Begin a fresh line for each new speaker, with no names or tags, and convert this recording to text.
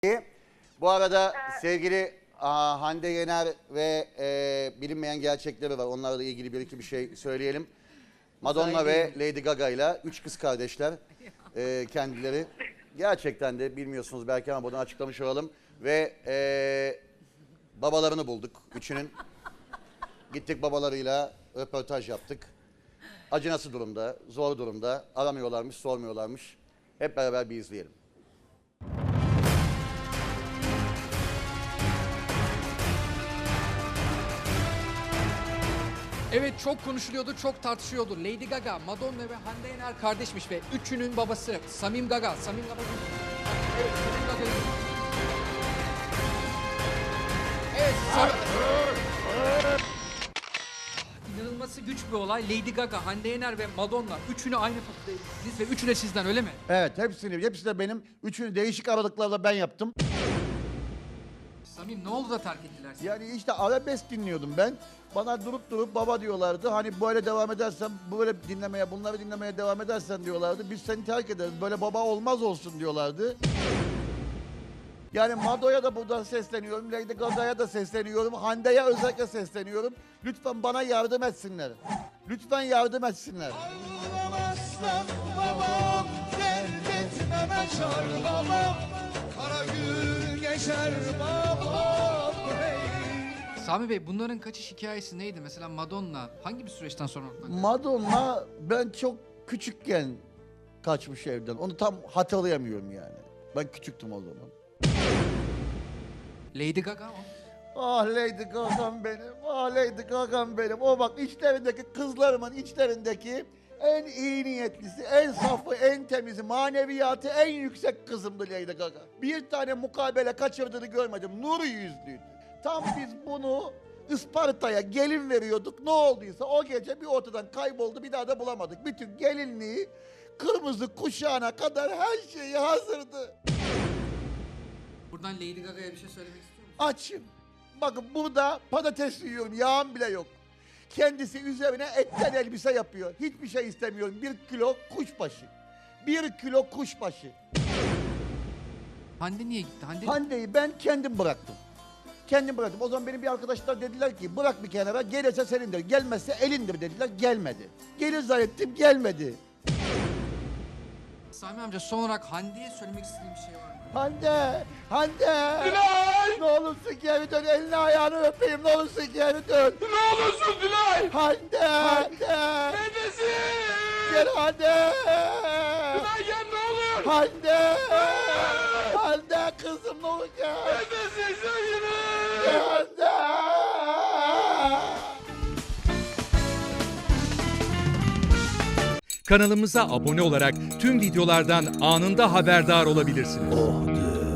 Bu arada sevgili Hande Yener ve bilinmeyen gerçekleri var. Onlarla ilgili bir iki bir şey söyleyelim. Madonna ve Lady Gaga ile 3 kız kardeşler kendileri. Gerçekten de bilmiyorsunuz belki ama bunu açıklamış olalım. Ve babalarını bulduk üçünün. Gittik babalarıyla röportaj yaptık. Acı nasıl durumda, zor durumda, aramıyorlarmış, sormuyorlarmış. Hep beraber bir izleyelim.
Evet, çok konuşuluyordu, çok tartışıyordu. Lady Gaga, Madonna ve Hande Yener kardeşmiş ve üçünün babası Samim Gaga. Samim Gaga. Evet, Samim Gaga. Evet, İnanılması güç bir olay. Lady Gaga, Hande Yener ve Madonna üçünü aynı fotoğrafta ezdiniz ve üçü de sizden, öyle mi?
Evet, hepsi de benim. Üçünü değişik aralıklarla ben yaptım.
Samim, ne oldu da terk ettiler sizi?
Yani işte arabesk dinliyordum ben. Bana durup baba diyorlardı. Hani böyle devam edersen, bunları dinlemeye devam edersen diyorlardı. Biz seni terk ederiz. Böyle baba olmaz olsun diyorlardı. Yani Mado'ya da buradan sesleniyorum. Lady Gaga'ya da sesleniyorum. Hande'ye özellikle sesleniyorum. Lütfen bana yardım etsinler. Lütfen yardım etsinler.
Ağlamazsam babam, dert etmeme çar babam, kara gün geçer babam, hey.
Sami Bey, bunların kaçış hikayesi neydi? Mesela Madonna hangi bir süreçten sonra ortadan kaçtı?
Madonna ben çok küçükken kaçmış evden. Onu tam hatırlayamıyorum yani. Ben küçüktüm o zaman.
Lady Gaga mı?
Ah Lady Gaga'm benim, ah Lady Gaga'm benim. O bak içlerindeki kızlarımın içlerindeki en iyi niyetlisi, en safı, en temizi, maneviyatı en yüksek kızımdı Lady Gaga. Bir tane mukabele kaçırdığını görmedim, nur yüzlüydü. Tam biz bunu Isparta'ya gelin veriyorduk, ne olduysa o gece bir ortadan kayboldu, bir daha da bulamadık. Bütün gelinliği, kırmızı kuşağına kadar her şeyi hazırdı.
Buradan Lady Gaga'ya bir şey söylemek istiyor musun?
Açım. Bakın burada patates yiyorum, yağım bile yok. Kendisi üzerine etten elbise yapıyor. Hiçbir şey istemiyorum. 1 kilo kuşbaşı. 1 kilo kuşbaşı.
Hande niye gitti?
Hande'yi ben kendim bıraktım. Kendim bıraktım. O zaman benim bir arkadaşlar dediler ki bırak bir kenara, gelirse senindir, gelmezse elindir dediler. Gelmedi. Gelir zannettim, gelmedi.
Sami amca, son olarak Hande'ye söylemek istediğim bir şey var mı?
Hande! Hande!
Dilay!
Ne olursun geri dön, elini ayağını öpeyim, ne olursun geri dön.
Ne olursun Dilay!
Hande! Hande!
Neredesin?
Gel Hande!
Dilay gel ne olur!
Hande! Hande kızım ne olur gel!
Neredesin sevgilim?
Hande!
Kanalımıza abone olarak tüm videolardan anında haberdar olabilirsiniz.